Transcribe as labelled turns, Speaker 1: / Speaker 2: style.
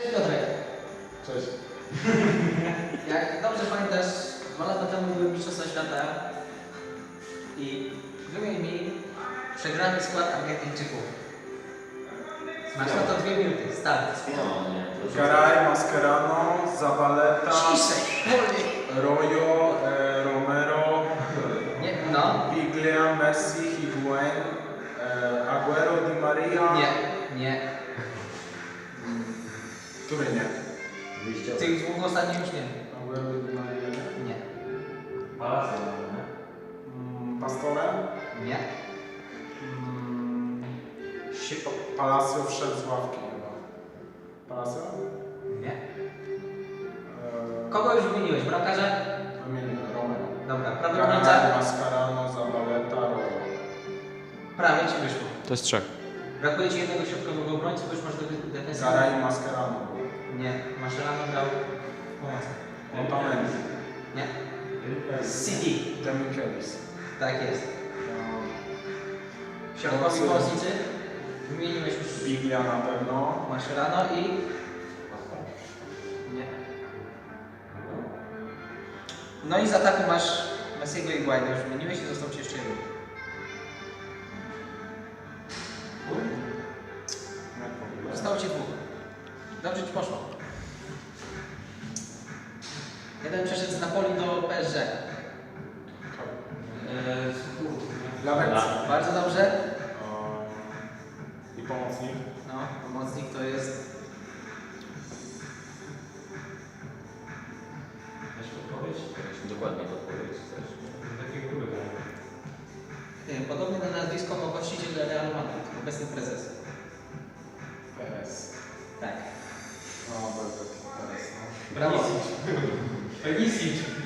Speaker 1: Piotrek,
Speaker 2: Cześć.
Speaker 1: jak dobrze pamiętasz, 2 lata temu były Mistrzostwa Świata i wymień mi przegrany skład Argentyńczyków. Masz na to 2 minuty, start.
Speaker 2: Garay, Mascherano, Zabaleta,
Speaker 1: Ciszej, wolniej.
Speaker 2: Royo, Romero,
Speaker 1: Nie, no.
Speaker 2: Biglia, Messi, Higuain, Aguero, Di Maria.
Speaker 1: Nie.
Speaker 2: Który nie?
Speaker 1: Tych 2 ostatnich już nie.
Speaker 2: Aguero, Di Maria.
Speaker 1: Nie.
Speaker 3: Palacio,
Speaker 2: Pastore?
Speaker 1: Nie.
Speaker 2: Palacio wszedł z ławki chyba. Palacio?
Speaker 1: Nie. Kogo już wymieniłeś? Bramkarze?
Speaker 2: Wymieniłem Romero.
Speaker 1: Dobra, prawy
Speaker 2: Garay,
Speaker 1: obrońca?
Speaker 2: Mascherano, Zabaleta, Royo.
Speaker 1: Prawie ci wyszło.
Speaker 4: To jest 3.
Speaker 1: Brakuje ci jednego środkowego obrońcy, bo już masz defensywę.
Speaker 2: Garay, Mascherano.
Speaker 1: Nie. Mascherano grał pomocny.
Speaker 2: Otamendi.
Speaker 1: Nie. City.
Speaker 2: Demichelis.
Speaker 1: Tak jest. Środkowi pomocnicy? Wymieniłeś już
Speaker 2: Biglia na pewno.
Speaker 1: Mascherano i... Nie. No i z ataku masz Messiego i Guaida. Już wymieniłeś i został ci jeszcze jeden. Zostało ci 2. Dobrze ci poszło. Jeden przeszedł z Napoli do PSG.
Speaker 2: Lawencja.
Speaker 1: Bardzo dobrze.
Speaker 2: I pomocnik.
Speaker 1: No, pomocnik to jest...
Speaker 3: Dokładnie podpowiedź też. Takie gruby.
Speaker 1: Podobny na nazwisko ma właściciel Real Madrid, obecny prezes.
Speaker 2: PS.
Speaker 1: Tak.
Speaker 2: No, Belgrad. PS. No.
Speaker 1: Brawo.
Speaker 3: Perisic.